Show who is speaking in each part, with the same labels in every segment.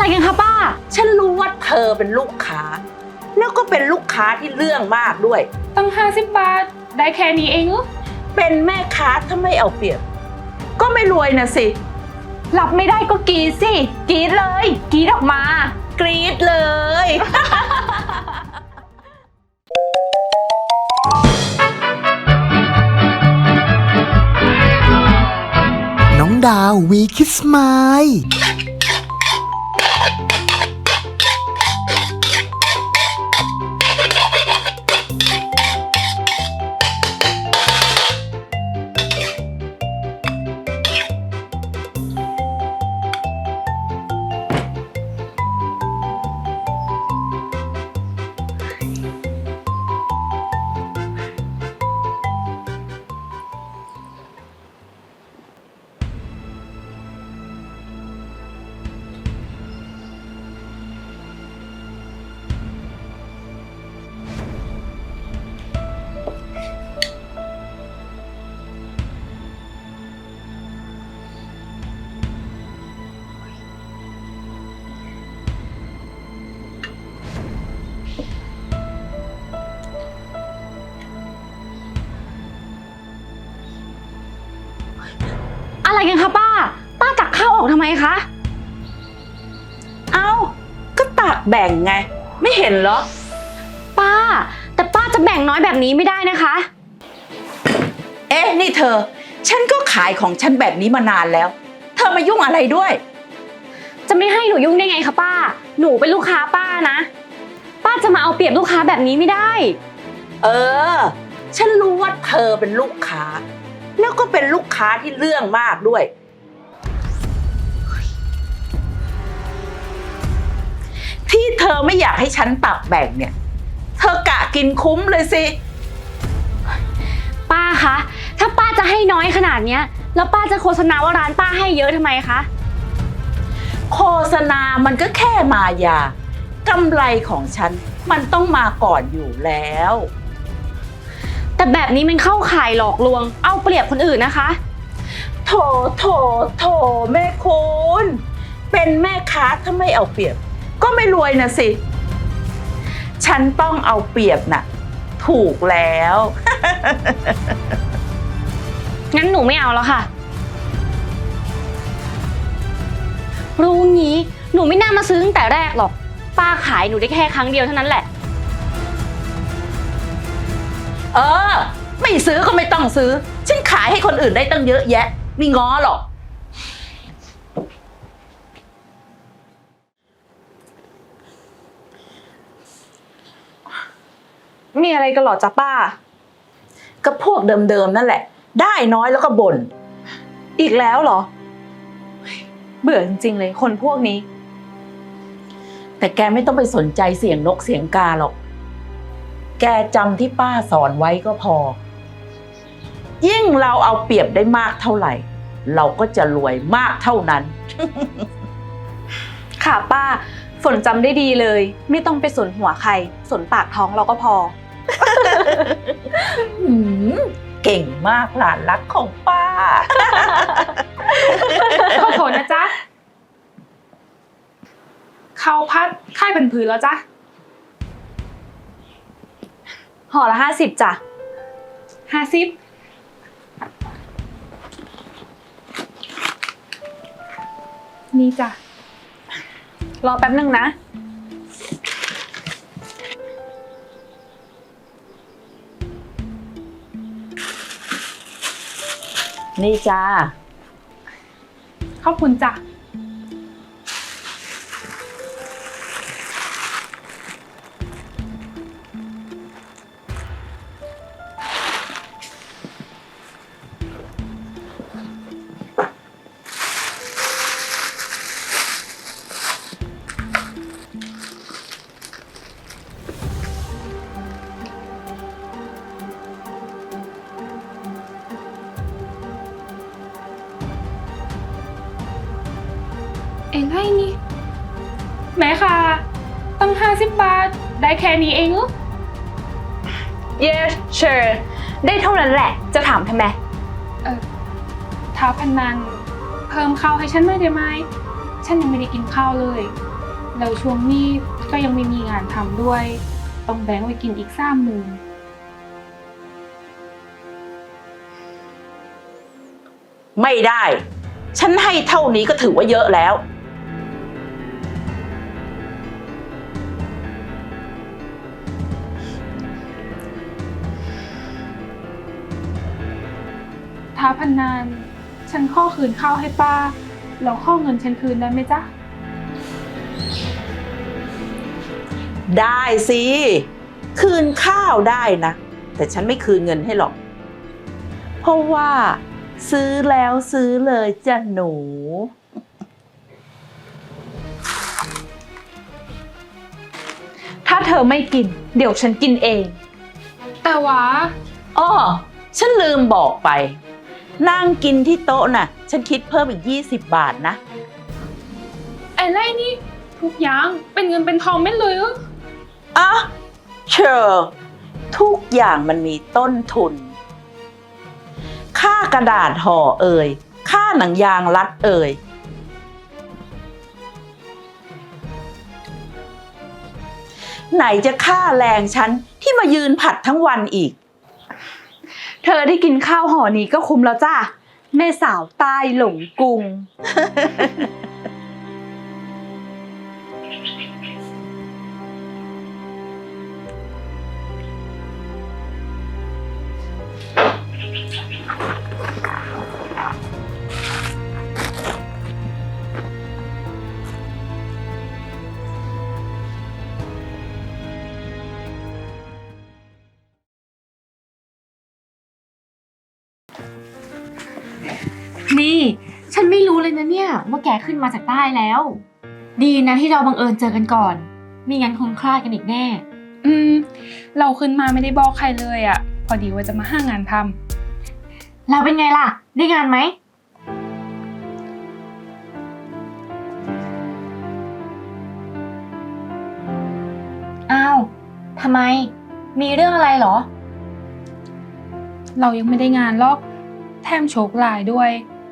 Speaker 1: กันคะป้า
Speaker 2: ฉันรู้ว่าเธอเป็นลูกค้าแล้วก็เป็นลูกค้าที่เรื่องมากด้วย
Speaker 3: ตั้ง50 บาทได้แค่นี้เองเหรอ
Speaker 2: เป็นแม่ค้าถ้าไม่เอาเปรียบก็ไม่รวยนะสิ
Speaker 1: รับไม่ได้ก็กรีดสิกรีดเลยกรีดออกมาก
Speaker 2: รี๊ดเลย
Speaker 4: น้องดาววีคิสไมล์
Speaker 1: อะไรกันคะป้าตักข้าวออกทำไมคะ
Speaker 2: เอ้าก็ตักแบ่งไงไม่เห็นเหรอ
Speaker 1: ป้าแต่ป้าจะแบ่งน้อยแบบนี้ไม่ได้นะคะ
Speaker 2: เอ๊ะนี่เธอฉันก็ขายของฉันแบบนี้มานานแล้วเธอมายุ่งอะไรด้วย
Speaker 1: จะไม่ให้หนูยุ่งได้ไงคะป้าหนูเป็นลูกค้าป้านะป้าจะมาเอาเปรียบลูกค้าแบบนี้ไม่ได้
Speaker 2: เออฉันรู้ว่าเธอเป็นลูกค้าแล้วก็เป็นลูกค้าที่เรื่องมากด้วยที่เธอไม่อยากให้ฉันตักแบ่งเนี่ยเธอกะกินคุ้มเลยสิ
Speaker 1: ป้าคะถ้าป้าจะให้น้อยขนาดเนี้ยแล้วป้าจะโฆษณาว่าร้านป้าให้เยอะทำไมคะ
Speaker 2: โฆษณามันก็แค่มายากำไรของฉันมันต้องมาก่อนอยู่แล้ว
Speaker 1: แต่แบบนี้มันเข้าข่ายหลอกลวงเอาเปรียบคนอื่นนะคะ
Speaker 2: โถแม่คุณเป็นแม่ค้าถ้าไม่เอาเปรียบก็ไม่รวยนะสิฉันต้องเอาเปรียบน่ะถูกแล้ว
Speaker 1: งั้นหนูไม่เอาแล้วค่ะรู้งี้หนูไม่น่ามาซื้อตั้งแต่แรกหรอกป้าขายหนูได้แค่ครั้งเดียวเท่านั้นแหละ
Speaker 2: เออไม่ซื้อก็ไม่ต้องซื้อฉันขายให้คนอื่นได้ตั้งเยอะแยะไม่ง้อหรอก
Speaker 3: มีอะไรกันหรอจ๊ะป้า
Speaker 2: ก็พวกเดิมๆนั่นแหละได้น้อยแล้วก็บ่น
Speaker 3: อีกแล้วเหรอเบื่อจริงๆเลยคนพวกนี้
Speaker 2: แต่แกไม่ต้องไปสนใจเสียงนกเสียงกาหรอกแกจำที่ป้าสอนไว้ก็พอยิ่งเราเอาเปรียบได้มากเท่าไหร่เราก็จะรวยมากเท่านั้น
Speaker 3: ค่ะป้าฝนจำได้ดีเลยไม่ต้องไปสนหัวใครสนปากท้องเราก็พอ
Speaker 2: เก่งมากหลานรักของป้า
Speaker 3: ขอโทษนะจ๊ะข้าวพัดค่ายเป็นพื้นแล้วจ๊ะห่อละ50จ้ะ50นี่จ้ะรอแป๊บนึงนะ
Speaker 2: นี่จ้า
Speaker 3: ขอบคุณจ้ะเองให้นี่แม่ค่ะตั้ง50 บาทได้แค่นี้เองเหรอ
Speaker 1: Yes sure ได้เท่านั้นแหละจะถามทำไม
Speaker 3: ท้าพนันเพิ่มข้าวให้ฉันหน่อยได้ไหมฉันยังไม่ได้กินข้าวเลยแล้วช่วงนี้ก็ยังไม่มีงานทำด้วย ต้องแบ่งไว้กินอีก30,000
Speaker 2: ไม่ได้ ฉันให้เท่านี้ก็ถือว่าเยอะแล้ว
Speaker 3: ถ้าพันนานฉันข้อคืนข้าวให้ป้าแล้วข้อเงินฉันคืนได้ไหมจ๊ะ
Speaker 2: ได้สิ คืนข้าวได้นะ แต่ฉันไม่คืนเงินให้หรอก เพราะว่าซื้อแล้วซื้อเลยจ้ะหนู
Speaker 1: ถ้าเธอไม่กิน เดี๋ยวฉันกินเอง
Speaker 3: แต่ว่า
Speaker 2: อ้อ ฉันลืมบอกไป นั่งกินที่โต๊ะน่ะ ฉันคิดเพิ่มอีก20 บาทนะ
Speaker 3: ไอ้ไรนี่ทุกอย่างเป็นเงินเป็นทองไม่เลยเหรอ
Speaker 2: อ่ะเชอร์ทุกอย่างมันมีต้นทุน ค่ากระดาษห่อเอ่ย ค่าหนังยางรัดเอ่ย ไหนจะค่าแรงฉันที่มายืนผัดทั้งวันอีก
Speaker 1: เธอได้กินข้าวห่อนี้ก็คุ้มแล้วจ้าแม่สาวใต้หลงกรุง นี่ ฉันไม่รู้เลยนะเนี่ยว่าแกขึ้นมาจากใต้แล้ว ดีนะที่เราบังเอิญเจอกันก่อนไม่งั้นคงคลาดกันอีกแน่
Speaker 3: เราขึ้นมาไม่ได้บอกใครเลยอ่ะ พอดีว่าจะมาหางานท
Speaker 1: เราเป็นไงล่ะ ได้งานไหมอ้าวทำไม มีเรื่องอะไรเหรอ
Speaker 3: ำเรายังไม่ได้งานหรอกแถมโชคร้ายด้วย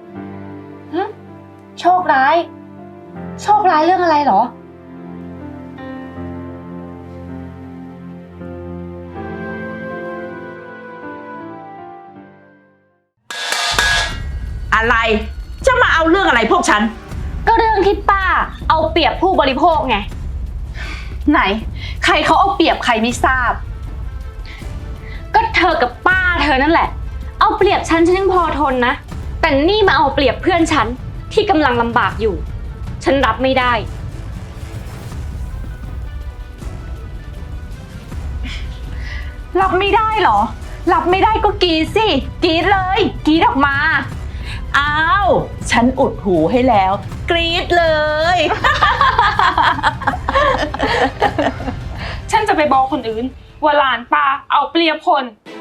Speaker 1: โชคร้าย โชคร้ายเรื่องอะไรเหรอ
Speaker 2: อะไร จะมาเอาเรื่องอะไรพวกฉัน
Speaker 1: ก็เรื่องที่ป้าเอาเปรียบผู้บริโภคไง ไหน ใครเขาเอาเปรียบใครไม่ทราบ ก็เธอกับป้าเธอนั่นแหละ เอาเปรียบฉันยังพอทนนะ แต่นี่มาเอาเปรียบเพื่อนฉันที่กำลังลำบากอยู่ ฉันรับไม่ได้ รับไม่ได้เหรอ รับไม่ได้ก็กรีดสิกรีดเลยกรีดออกมา
Speaker 2: อ้าว ฉันอุดหูให้แล้ว กรี๊ดเลย
Speaker 3: ฉันจะไปบอกคนอื่นว่าหลานป้าเอาเปรียบคน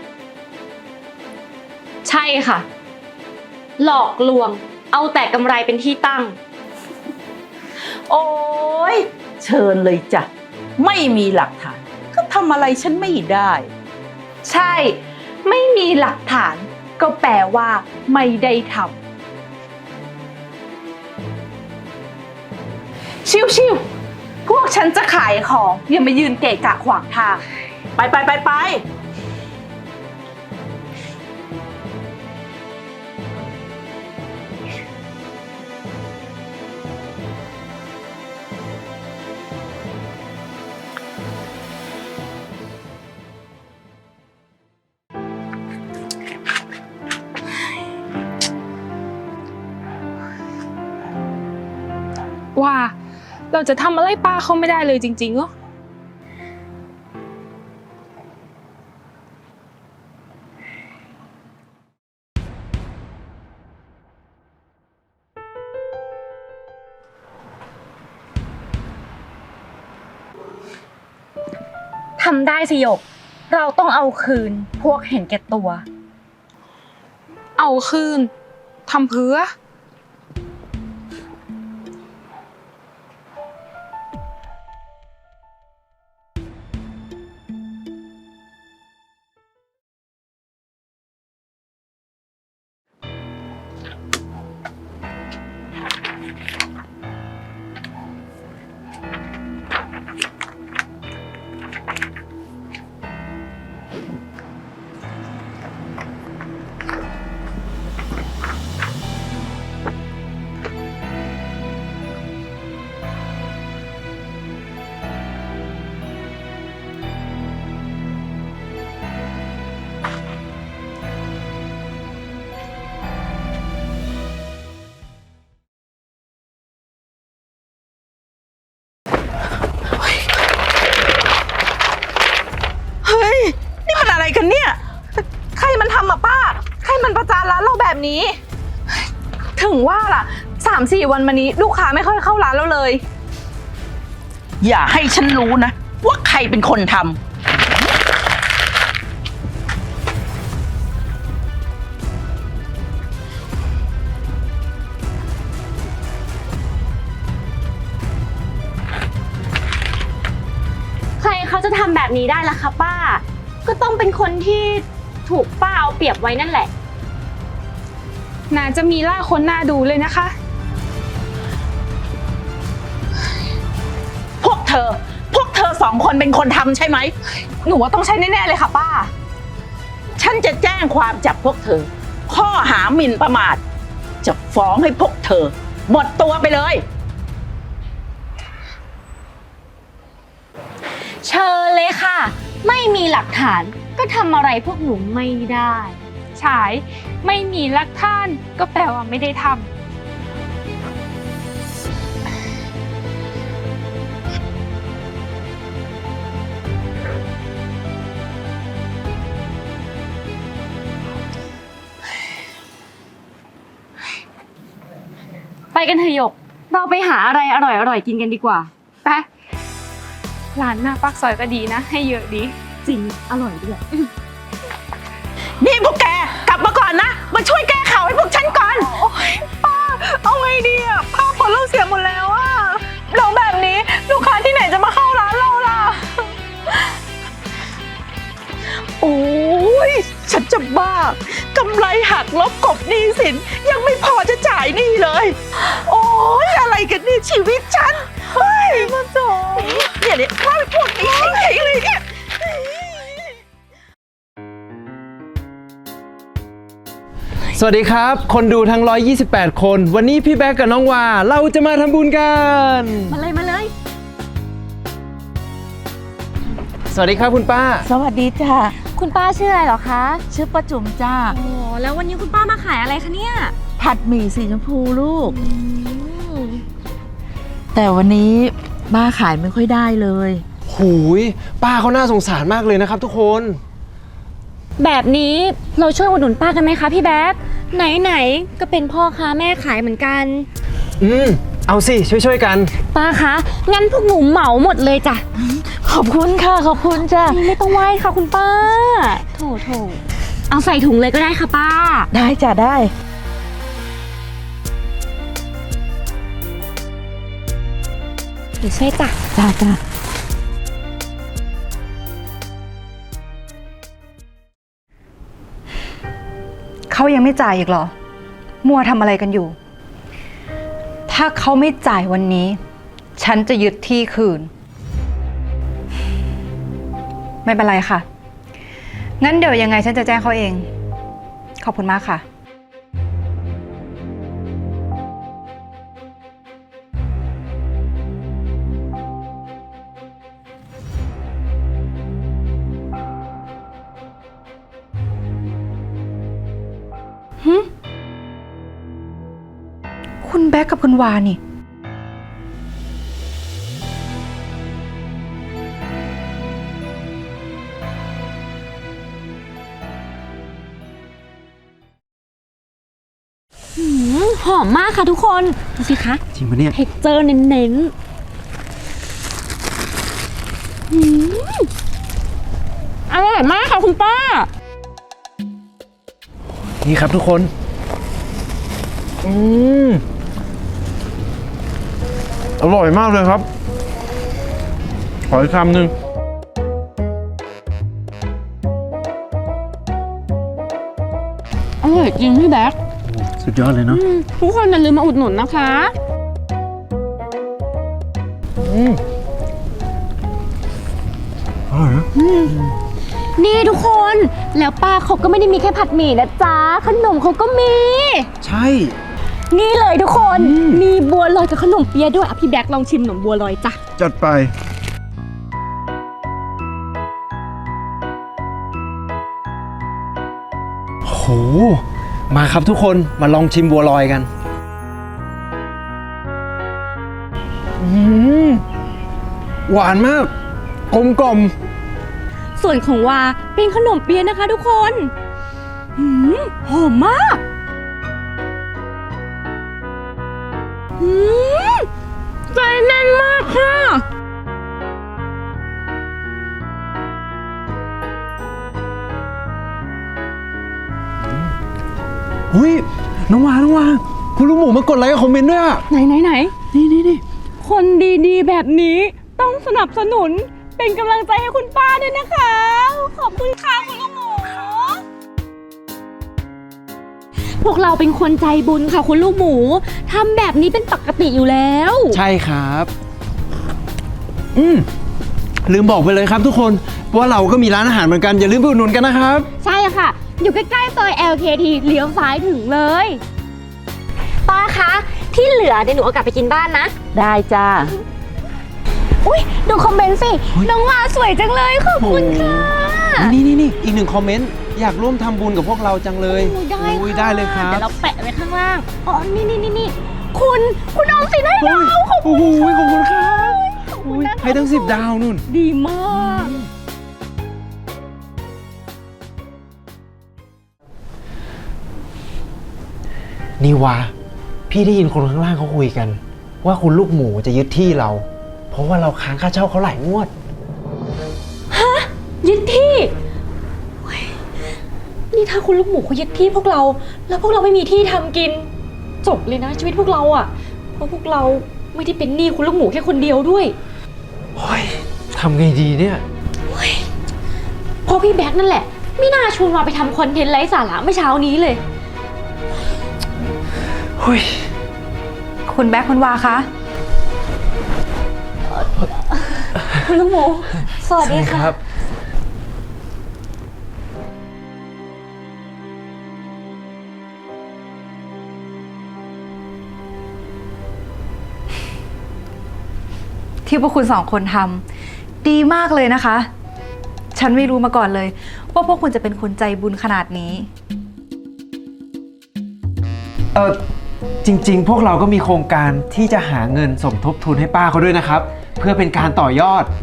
Speaker 1: ใช่ค่ะ หลอกลวง เอาแต่กำไรเป็นที่ตั้ง
Speaker 2: โอ้ยเชิญเลยจ้ะ ไม่มีหลักฐาน ก็ทำอะไรฉันไม่ได้
Speaker 1: ใช่ ไม่มีหลักฐาน ก็แปลว่าไม่ได้ทำชิวๆพวกฉันจะขายของ อย่ามายืนเกะกะขวางทาง
Speaker 2: ไป
Speaker 3: ว่าเราจะทำอะไรป้าเขาไม่ได้เลยจริงๆเหรอ
Speaker 1: ทำได้สิหยก เราต้องเอาคืนพวกเห็นแก่ตัว
Speaker 3: เอาคืนทำเพื่อ
Speaker 1: แบบนี้ ถึงว่าล่ะ3-4 วันมานี้ลูกค้าไม่ค่อยเข้าร้านเราเลย
Speaker 2: อย่าให้ฉันรู้นะว่าใครเป็นคนทำ
Speaker 1: ใครเขาจะทำแบบนี้ได้ล่ะคะป้า ก็ต้องเป็นคนที่ถูกป้าเอาเปรียบไว้นั่นแหละ
Speaker 3: น่าจะมีล่าคนหน้าดูเลยนะคะ
Speaker 2: พวกเธอสองคนเป็นคนทำใช่ไหม
Speaker 1: หนูว่าต้องใช้แน่ๆเลยค่ะป้า
Speaker 2: ฉันจะแจ้งความจับพวกเธอ ข้อหาหมิ่นประมาท จะฟ้องให้พวกเธอ หมดตัวไปเลย
Speaker 1: เชิญเลยค่ะ ไม่มีหลักฐานก็ทำอะไรพวกหนูไม่ได้
Speaker 3: ฉายไม่มีหลักฐานก็แปลว่าไม่ได้ทำ
Speaker 1: ไปกันเถอะหยก เราไปหาอะไรอร่อยๆกินกันดีกว่า
Speaker 3: ไปร้านหน้าปากซอยก็ดีนะ ให้เยอะดี
Speaker 1: จริง อร่อยด้วย
Speaker 2: นี่พวกแกกลับมาก่อนนะ มาช่วยแก้ข่าวให้พวกฉันก่อน
Speaker 1: เอาไงดีอ่ะภาพผลเราเสียหมดแล้วอ่ะเราแบบนี้ลูกค้าที่ไหนจะมาเข้าร้านเราล่ะ
Speaker 2: โอ้ยฉันจะบ้ากำไรหักลบกบหนี้สินยังไม่พอจะจ่ายหนี้เลย โอ้ยอะไรกันเนี่ยชีวิตฉันเฮ้ยมันจบเนี่ยว่าพวกนี้จริงๆเลยเนี่ย
Speaker 5: สวัสดีครับ คนดูทั้ง 128 คน วันนี้พี่แบ๊กกับน้องวาเราจะมาทำบุญกัน
Speaker 1: มาเลย
Speaker 5: สวัสดีครับคุณป้า
Speaker 2: สวัสดีจ้า
Speaker 1: คุณป้าชื่ออะไรเหรอคะ
Speaker 2: ชื่อป้าจุ๋มจ้า
Speaker 1: โอ้แล้ววันนี้คุณป้ามาขายอะไรคะเนี่ย
Speaker 2: ผัดหมี่สีชมพูลูก แต่วันนี้ป้าขายไม่ค่อยได้เลย
Speaker 5: หูยป้าเขาน่าสงสารมากเลยนะครับทุกคน
Speaker 1: แบบนี้เราช่วยอุดหนุนป้ากันไหมคะพี่แบ๊กไหนๆก็เป็นพ่อค้าแม่ขายเหมือนกัน
Speaker 5: เอาสิช่วยๆกัน
Speaker 1: ป้าคะงั้นพวกหนูเหมาหมดเลยจ้ะ
Speaker 2: ขอบคุณค่ะขอบคุณจ้า
Speaker 1: ไม่ต้องไหว้ค่ะคุณป้าโถเอาใส่ถุงเลยก็ได้ค่ะป้า
Speaker 2: ได้จ้ะได้
Speaker 1: เดี๋ยวช่วยจ้ะ
Speaker 2: จ้า
Speaker 6: เขายังไม่จ่ายอีกเหรอ มัวทำอะไรกันอยู่ ถ้าเขาไม่จ่ายวันนี้ ฉันจะยึดที่คืน ไม่เป็นไรค่ะ งั้นเดี๋ยวยังไงฉันจะแจ้งเขาเอง ขอบคุณมากค่ะ คุณแบ๊กกับคุณวานี่
Speaker 1: หอมมากค่ะทุกคนดูสิคะ
Speaker 5: จริงปะเนี่ย
Speaker 1: เท็กเจอร์เน้นอร่อยมากค่ะคุณป้า
Speaker 5: นี่ครับทุกคน
Speaker 7: อร่อยมากเลยครับ ขออีกคำหนึ่ง
Speaker 1: อร่อยจริงพี่แบ๊ก
Speaker 5: สุดยอดเลยเนาะ
Speaker 1: ทุกคนอย่าลืมมาอุดหนุนนะคะ
Speaker 5: อร่อยนะ
Speaker 1: นี่ทุกคนแล้วป้าเขาก็ไม่ได้มีแค่ผัดหมี่นะจ๊ะขนมเขาก็มี
Speaker 5: ใช่
Speaker 1: นี่เลยทุกคน มีบัวลอยกับขนมเปี๊ยะด้วยอ่ะพี่แบ๊กลองชิมขนมบัวลอยจ้ะ
Speaker 7: จัดไป
Speaker 5: โหมาครับทุกคนมาลองชิมบัวลอยกันหวานมากกลมกล่อม
Speaker 1: ส่วนของวาเป็นขนมเปี๊ยะนะคะทุกคนหอมมาก
Speaker 3: แน่นมากค่ะ
Speaker 5: เฮ้ยน้องวาคุณลูกหมูมากดไลค์กับคอมเมนต์ด้วยอะ
Speaker 3: ไหน
Speaker 5: นี่
Speaker 3: คนดีๆ แบบนี้ต้องสนับสนุนเป็นกำลังใจให้คุณป้าด้วยนะคะ ขอบคุณค่ะคุณลูกหมูพวกเราเป็นคนใจบุญค่ะคุณลูกหมูทำแบบนี้เป็นปกติอยู่แล้ว
Speaker 5: ใช่ครับลืมบอกไปเลยครับทุกคนว่าเราก็มีร้านอาหารเหมือนกันอย่าลืมไปอุดหนุนกันนะครับ
Speaker 3: ใช่ค่ะ อยู่ใกล้ๆซอย LKT เลี้ยวซ้ายถึงเลย
Speaker 1: ป้าคะ ที่เหลือเดี๋ยวหนูเอากลับไปกินบ้านนะ
Speaker 2: ได้จ้า
Speaker 3: อุ้ยดูคอมเมนต์สิ น้องวาสวยจังเลยขอบคุณค่ะ
Speaker 5: นี่อีกหนึ่งคอมเมนต์อยากร่วมทำบุญกับพวกเราจังเลย
Speaker 3: ได้ค่ะ
Speaker 5: ได้เลยครับ
Speaker 3: เดี๋ยวเราแปะไว้ข้างล่าง อ๋อ นี่ คุณออมสินให้เราขอบ
Speaker 5: โอ้
Speaker 3: คุณ
Speaker 5: โหขอบคุณครับ
Speaker 3: ขอบคุณนะคะ
Speaker 5: ให้ทั้ง10 ดาวนู่น
Speaker 3: ดีมาก
Speaker 5: นี่วะพี่ได้ยินคนข้างล่างเขาคุยกัน ว่าคุณลูกหมูจะยึดที่เรา เพราะว่าเราค้างค่าเช่าเขาหลายงวด
Speaker 3: ยึดที่เฮ้ยนี่ถ้าคุณลูกหมูเขายึดที่พวกเรา แล้วพวกเราไม่มีที่ทำกิน จบเลยนะชีวิตพวกเราอ่ะ เพราะพวกเราไม่ได้เป็นหนี้คุณลูกหมูแค่คนเดียวด้วย
Speaker 5: เฮ้ยทำไงดีเนี่ย
Speaker 3: เพราะพี่แบ็คนั่นแหละ ไม่น่าชวนเราไปทำคอนเทนต์ไร้สาระเมื่อเช้านี้เลย
Speaker 5: เฮ้ย
Speaker 6: คุณแบ็คคุณวาคะ
Speaker 3: คุณลูกหมู สวัสดีค่ะ
Speaker 6: ที่พวกคุณ2 คนทำดีมากเลยนะคะ ฉันไม่รู้มาก่อนเลย ว่าพวกคุณจะเป็นคนใจบุญขนาดนี้
Speaker 5: จริงๆ พวกเราก็มีโครงการที่จะหาเงินสมทบทุนให้ป้าเขาด้วยนะครับ เพื่อเป็นการต่อยอด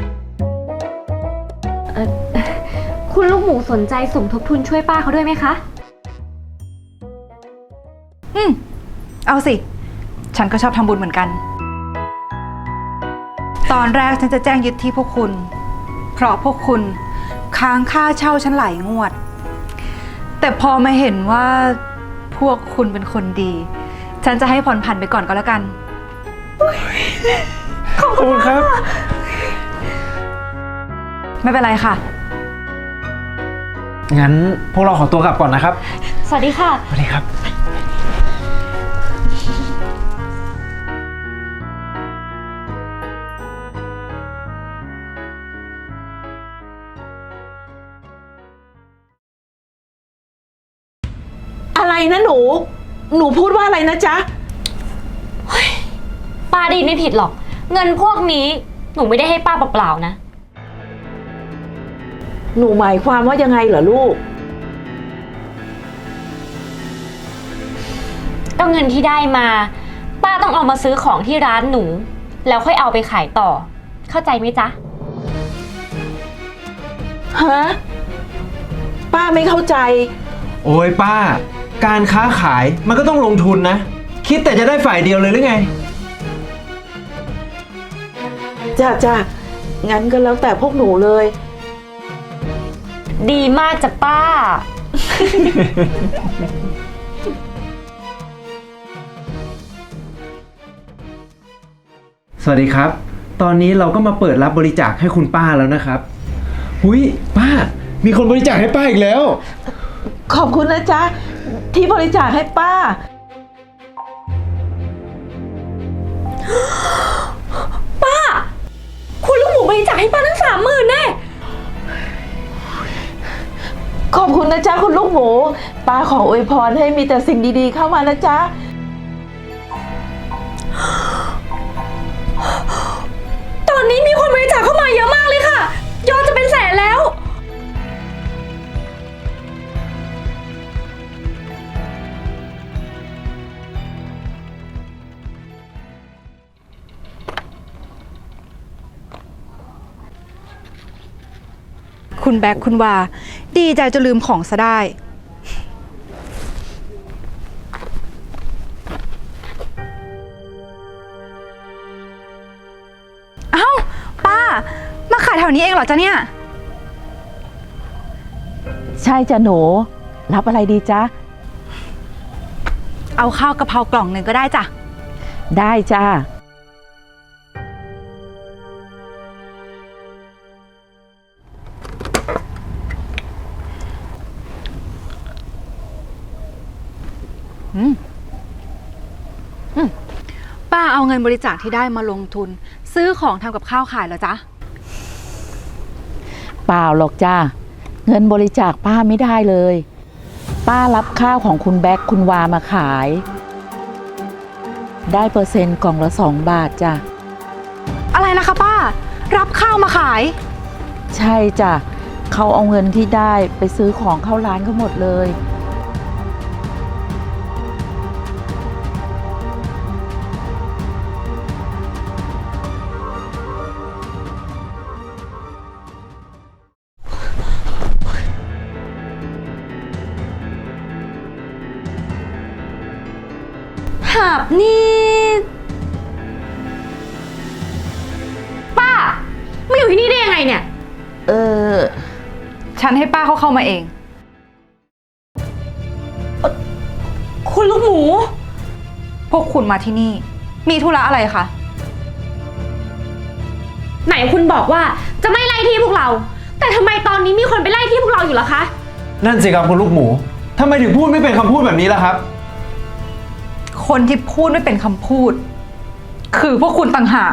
Speaker 1: คุณลูกหมูสนใจสมทบทุนช่วยป้าเขาด้วยไหมคะ
Speaker 6: เอาสิ ฉันก็ชอบทำบุญเหมือนกัน ตอนแรกฉันจะแจ้งยึดที่พวกคุณ เพราะพวกคุณค้างค่าเช่าฉันหลายงวด แต่พอมาเห็นว่าพวกคุณเป็นคนดี ฉันจะให้ผ่อนผันไปก่อนก็แล้วกัน
Speaker 5: ขอบคุณครับ
Speaker 6: ไม่เป็นไรค่ะ
Speaker 5: งั้นพวกเราขอตัวกลับก่อนนะครับ
Speaker 3: สวัสดีค่ะ
Speaker 5: สวัสดีครับ
Speaker 2: อะไรนะหนูพูดว่าอะไรนะจ๊ะ
Speaker 1: ป้าได้ยินไม่ผิดหรอก เงินพวกนี้หนูไม่ได้ให้ป้าเปล่าๆนะ
Speaker 2: หนูหมายความว่ายังไงเหรอลูก
Speaker 1: ก็เงินที่ได้มา ป้าต้องเอามาซื้อของที่ร้านหนู แล้วค่อยเอาไปขายต่อ เข้าใจไหมจ๊ะ
Speaker 2: ฮะ ป้าไม่เข้าใจ
Speaker 5: โอ้ยป้า การค้าขายมันก็ต้องลงทุนนะ คิดแต่จะได้ฝ่ายเดียวเลยหรือไง
Speaker 2: จ้างั้นก็แล้วแต่พวกหนูเลย
Speaker 1: ดีมากจ้ะป้า
Speaker 5: สวัสดีครับ ตอนนี้เราก็มาเปิดรับบริจาคให้คุณป้าแล้วนะครับหุยป้า มีคนบริจาคให้ป้าอีกแล้ว
Speaker 2: ขอบคุณนะจ๊ะ ที่บริจาคให้ป้า
Speaker 3: คุณลูกหมูบริจาคให้ป้าทั้ง30,000แน่
Speaker 2: ขอบคุณนะจ๊ะคุณลูกหมู ป้าขออวยพรให้มีแต่สิ่งดีๆเข้ามานะจ๊ะ
Speaker 3: ตอนนี้มีคนบริจาคเข้ามาเยอะมากเลยค่ะ ยอดจะเป็นแสนแล้ว
Speaker 6: คุณแบ็คคุณวา ดีใจจะลืมของซะได้มาขายแถวนี้เองเหรอจ๊ะเนี่ย
Speaker 2: ใช่จ้ะหนู รับอะไรดีจ๊ะ
Speaker 6: เอาข้าวกะเพรากล่องหนึ่งก็ได้จ้ะ
Speaker 2: ได้จ้า
Speaker 6: ป้าเอาเงินบริจาคที่ได้มาลงทุน ซื้อของทำกับข้าวขายเหรอจ๊ะ
Speaker 2: เปล่าหรอกจ้า เงินบริจาคป้าไม่ได้เลย ป้ารับข้าวของคุณแบ็คคุณวามาขาย ได้เปอร์เซ็นต์กล่องละ2 บาทจ้ะ
Speaker 6: อะไรนะคะป้า รับข้าวมาขาย
Speaker 2: ใช่จ้ะ เขาเอาเงินที่ได้ไปซื้อของเข้าร้านเขาหมดเลย
Speaker 3: หาบนี่ ป้ามาอยู่ที่นี่ได้ยังไงเนี่ย
Speaker 2: เออ
Speaker 6: ฉันให้ป้าเขาเข้ามาเอง
Speaker 3: คุณลูกหมู
Speaker 6: พวกคุณมาที่นี่ มีธุระอะไรคะ
Speaker 3: ไหนคุณบอกว่าจะไม่ไล่ที่พวกเรา แต่ทำไมตอนนี้มีคนไปไล่ที่พวกเราอยู่ล่ะคะ
Speaker 5: นั่นสิครับคุณลูกหมูทำไมถึงพูดไม่เป็นคำพูดแบบนี้ล่ะครับ
Speaker 6: คนที่พูดไม่เป็นคำพูด คือพวกคุณต่างหาก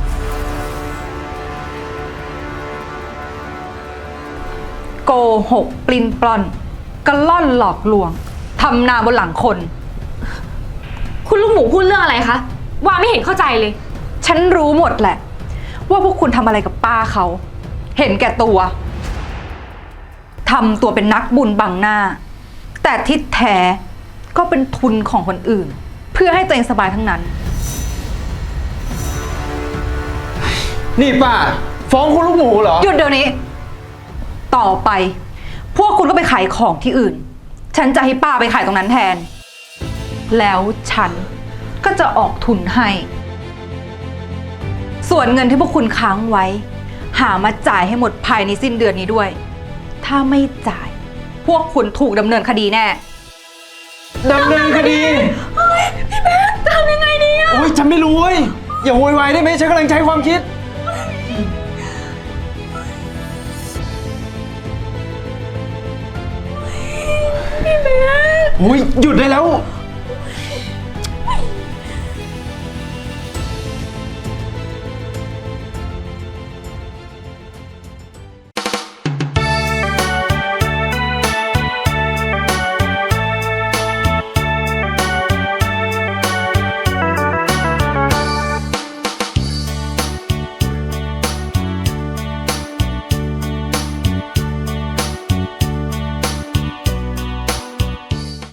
Speaker 6: โกหกปลินปลอนกระล่อนหลอกลวงทำนาบนหลังคน
Speaker 3: คุณลูกหมูพูดเรื่องอะไรคะ ว่าไม่เห็นเข้าใจเลย
Speaker 6: ฉันรู้หมดแหละ ว่าพวกคุณทำอะไรกับป้าเขา เห็นแก่ตัวทำตัวเป็นนักบุญบังหน้า แต่ที่แท้ก็เป็นทุนของคนอื่น เพื่อให้ตัวเองสบายทั้งนั้น
Speaker 5: นี่ป้า ฟ้องคุณลูกหมูเหรอ
Speaker 6: หยุดเดี๋ยวนี้ ต่อไป พวกคุณก็ไปขายของที่อื่น ฉันจะให้ป้าไปขายตรงนั้นแทน แล้วฉันก็จะออกทุนให้ ส่วนเงินที่พวกคุณค้างไว้ หามาจ่ายให้หมดภายในสิ้นเดือนนี้ด้วย ถ้าไม่จ่าย พวกคุณถูกดำเนินคดีแน่
Speaker 5: ดำเนินคดีพี่แม่จะทำยังไงดีอ่ะโอ๊ยฉันไม่รู้เว้ย อย่าโวยวายได้ไหมฉันกำลังใช้ความคิด พี่แม่โอ้ยหยุดได้แล้ว